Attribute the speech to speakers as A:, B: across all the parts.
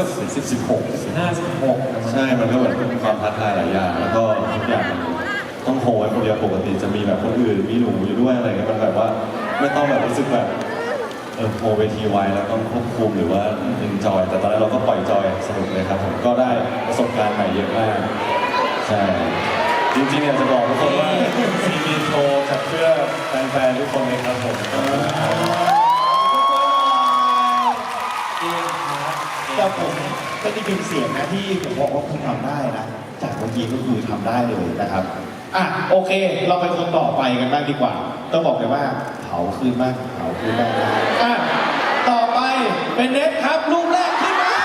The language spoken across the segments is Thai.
A: 16
B: ใช่มันก็เหมือนเป็นความท้าทายหลายอย่างแล้วก็ทุกอย่างต้องโฮไว้คนเดียวปกติจะมีแบบคนอื่นมีหนูอยู่ด้วยอะไรเงี้ยมันแบบว่าไม่ต้องแบบรู้สึกแบบโฮเวทีไวแล้วต้องควบคุมหรือว่าเอนจอยแต่ตอนนั้นเราก็ปล่อยจอยสนุกเลยครับผมก็ได้ประสบการณ์ใหม่เยอะมากใช่จริงๆอยากจะบอกทุกคนว่าซีมีโชว์จากเพื่อแฟนๆทุกคนเลยครับผม
C: แต่ผมก็ได้ยินเสียงนะที่ผมบอกว่าคุณทำได้นะจากเมื่อกี้ก็คือทำได้เลยนะครับโอเคเราไปคนต่อไปกันบ้างดีกว่าต้องบอกเลยว่าเผาคืนมากเผาคืนมากต่อไปเป็นเน็ตครับรูปแรกขึ้นมา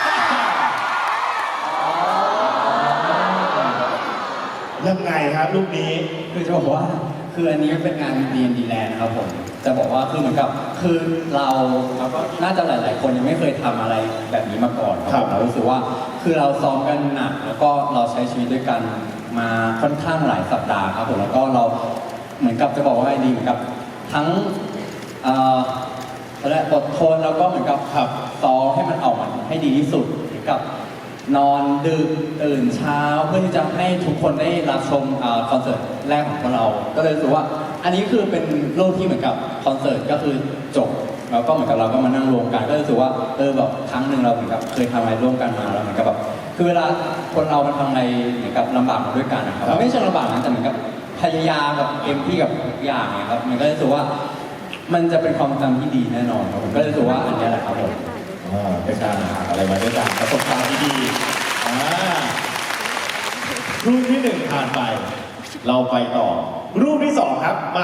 C: ยังไงครับรูปนี้
A: คือจะบอกว่าคืออันนี้เป็นงาน D&D Land นะครับผมจะบอกว่าคือเหมือนกับคือเราก็น่าจะหลายๆคนยังไม่เคยทำอะไรแบบนี้มาก่อนครับเรารู้สึกว่าคือเราซ้อมกันหนักแล้วก็เราใช้ชีวิตด้วยกันมาค่อนข้างหลายสัปดาห์ครับผมแล้วก็เราเหมือนกับจะบอกว่าไงดีเหมือนกับทั้งและอดทนแล้วก็เหมือนกับซ้อมให้มันออกมาให้ดีที่สุดเหมือนกับนอนดึกตื่นเช้าเพื่อที่จะให้ทุกคนได้รับชมคอนเสิร์ตแรกของพวกเราก็เลยรู้สึกว่าอันนี้คือเป็นรูปที่เหมือนกับคอนเสิร์ตก็คือจบแล้วก็เหมือนกับเราก็มานั่งรวมกันก็รู้สึกว่าแบบครั้งหนึ่งเราเหมือนกับเคยทำอะไรร่วมกันมาแล้วเหมือนกับแบบคือเวลาคนเรามันทำอะไรเหมือนกับลำบากมาด้วยกันนะครับมันไม่ใช่ลำบากนะแต่เหมือนกับพยายามแบบเต็มที่กับทุกอย่างเนี่ยครับมันก็รู้สึกว่ามันจะเป็นความจำที่ดีแน่นอนครับผมก็รู้สึกว่าอันนี้แหละครับผม
C: เป็นการหาอะไรมาด้วยกันประสบการณ์ที่ดีรูปที่หนึ่งผ่านไปเราไปต่อรูปที่สองครับมา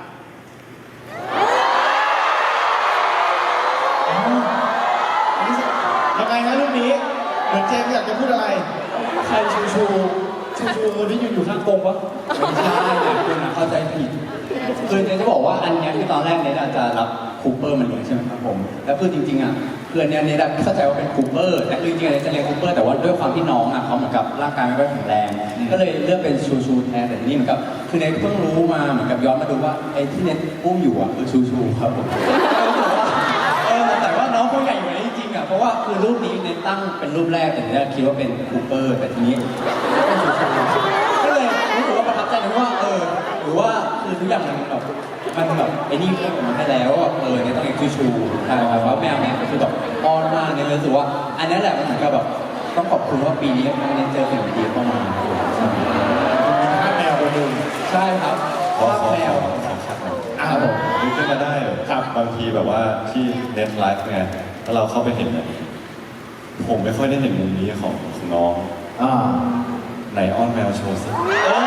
C: ยังไงนะรูปนี้เหมือนเจมส์อยากจะพูดอะไร
A: ใครชูที่อยู่ข้างกงวะไม่ใช่คุณเข้าใจผิดคือเนี่ยจะบอกว่าอันนี้คือตอนแรกเนี่ยจะรับคูเปอร์มาเลี้ยงใช่ไหมครับผมแล้วคือจริงๆอ่ะเพื่อนเนี่ยเข้าใจว่าเป็นคูเปอร์แต่คือจริงๆจะเลี้ยงคูเปอร์แต่ว่าด้วยความที่น้องอ่ะเขาเหมือนกับร่างกายไม่ค่อยแข็งแรงก็เลยเลือกเป็นชูแทนแต่ทีนี้เหมือนกับคือเนทเพิ่งรู้มาเหมือนกับย้อนมาดูว่าไอ้ที่เนทอุ้มอยู่อ่ะคือชูครับผมแต่ว่าน้องเขาใหญ่กว่านี้จริงๆอ่ะเพราะว่าคือรูปนี้เนทตั้งเป็นรูปแรกแต่เนี่ยคิดว่าเป็นคูเปอร์แต่ทีนี้เป็นชูก็เลยรู้สึกว่าประทับใจนะว่าหรือว่าคือทุกอย่างมันแบบไอ้นี่เพิ่มออกมาให้แล้วเนี่ยต้องเอกชูใช่ครับว่าแมวเนี่ยก็คือแบบอ้อนมากเนี่ยรู้สึกว่าอันนี้แหละมันเหมือนกับแบบต้องขอบคุณว่าปีนี้มันเจอสิ่งดีเข้ามา
C: แมวตัวหนึ่ง
A: ใช่ครับว่าแมว
B: ครับผมนึกขึ้นมาได้ครับบางทีแบบว่าที่เน็ตไลฟ์ไงแล้วเราเข้าไปเห็นผมไม่ค่อยได้เห็นมุมนี้ของน้องไหนอ้อนแมวโชว์สิ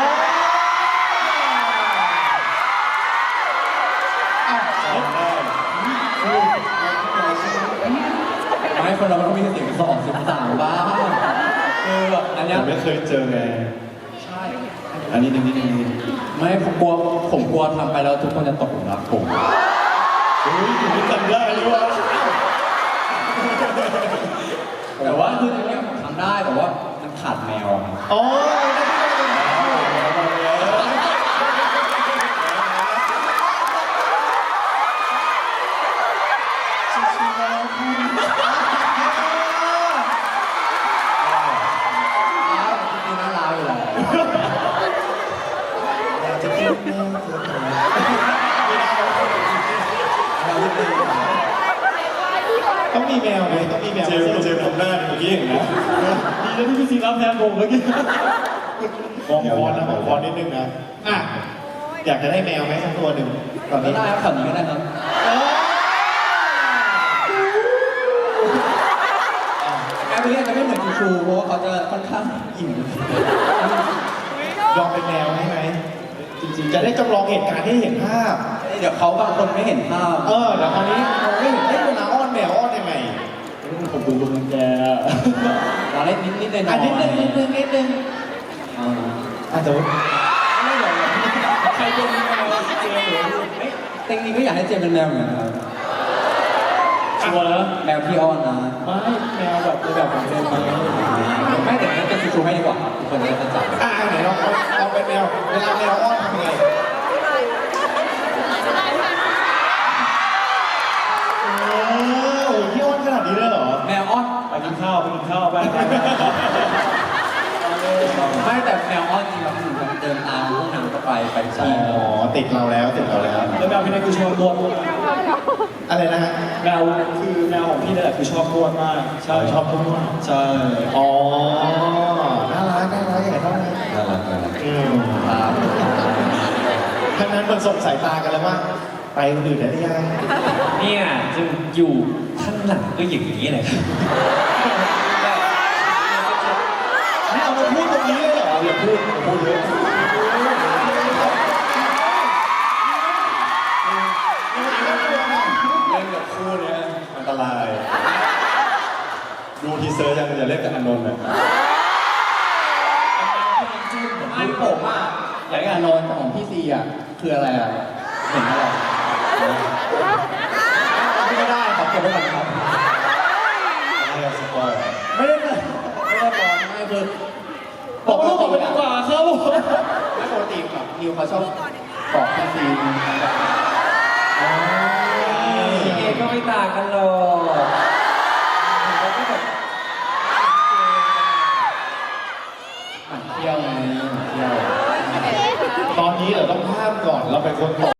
A: ไม่คนเราต้องมีเสียง2-13บ้างแบบอันนี้
B: ไม่เคยเจอไง
A: ใช่
B: อันนี้นิด
A: ไม่ผมกลัวทำไปแล้วทุกคนจะตกหลุมรักผม
B: คุณไม่จำได้หรือวะ
A: แต่ว่าคือจริงๆผมทำได้แต่ว่ามันขาดแมว
C: ต้องมีแมวไหมต้องมีแมว
B: เจมทำหน้าเมื่อกี้เห็นนะ
A: ดีแล้วที่พี่ซีรับแทนผมเมื่อกี้
C: มองคอนนิดนึงนะอยากจะได้แมวไหมสักตัวหนึ่งตอนนี้
A: ได้ครับขันนี้ก็ได้ครับแมวเรียกจะไม่เหมือนชูเพราะว่าเขาจะค่อนข้างอิ่ม
C: ลองเป็นแมวให้ไหมจริงๆจะได้จำลองเหตุการณ์ให้เห็นภาพ
A: เดี๋ยวเขาบางคนไม่เห็นภาพ
C: เดี๋ยวคราวนี้เราไม่เห็นได้เวลาอ้อนแมวอ้อนยังไง
A: ผมดูลุงแกเราเล่นนิดเลยนะ
C: นิดนึง
A: อาจจะไม่หรอกใครเป็นแมวเจมหรือเต็งนี้ก็อยากให้เจมเป็นแมวเหมือนกันชัวร์แล้วแมวพี่อ้อนนะไม่แมวแบบของเจมไม่แต่จะชูให้ดีกว่าทุกคนจะเข้าใจ
C: ไหนลองเป็นแมวเวลาแมวอ้อนทำไงพี่อ้อนขนาดนี้เลยเหรอ
A: แมวอ้อนไปกิน
D: ข้าวไปกินข้าวไป
A: ไม่แต่แมวอ้อนจริงๆแล้วหนูมันเดินตามพวกนางก็ไปที่
C: อ๋อติดเราแล้วติดเราแล้ว
D: แล้วแมวพี่นายคือชอบนวด
C: อะไรนะฮะ
D: แมวคือแมวของพี่นี่แหละคือชอบนวดมากใช่
C: ชอบทุกคน
D: ใช่
C: อ๋อน่ารักอย่างไรต้อง
B: น่ารักน่ารัก
C: ทั้งนั้นมันส่งสายตากันแล้วว่าไปคนอื่นได้หรือยัง
D: เนี่ยจะอยู่ข้างหลังก็อย่างนี้เลยครับ
C: ไม่เอามาพูดตรงนี้เลยเหรออย่าพูดเยอะ
B: เล่นกับคู่เนี้ยอันตราย ดูทีเซอร์ยังอย่าเล่นกับอานนท์นะ
A: ไม่ผมอ่ะอยากให้อานนท์แต่ของพี่ซีอ่ะคืออะไรอ่ะเห็นอะไรไม่ได้ขอเก็บไว้ก่อนครับ
B: ไม่เอาสปอยล์
A: ไม่ได้เลยไม่ได้ร้อนไม่คือ
D: บอกลูกผมไปดีกว่าครับผม
A: ไม่ปกติแบบนิวเขาชอบบอกพี่ซี
D: เอก็ไม่ต่างกันหรอกเขาก็แบบ
A: หมั่นเที่ยวไงหมั่นเที่ยว
C: ตอนนี้เราต้องห้ามก่อนเราเป็นคนตก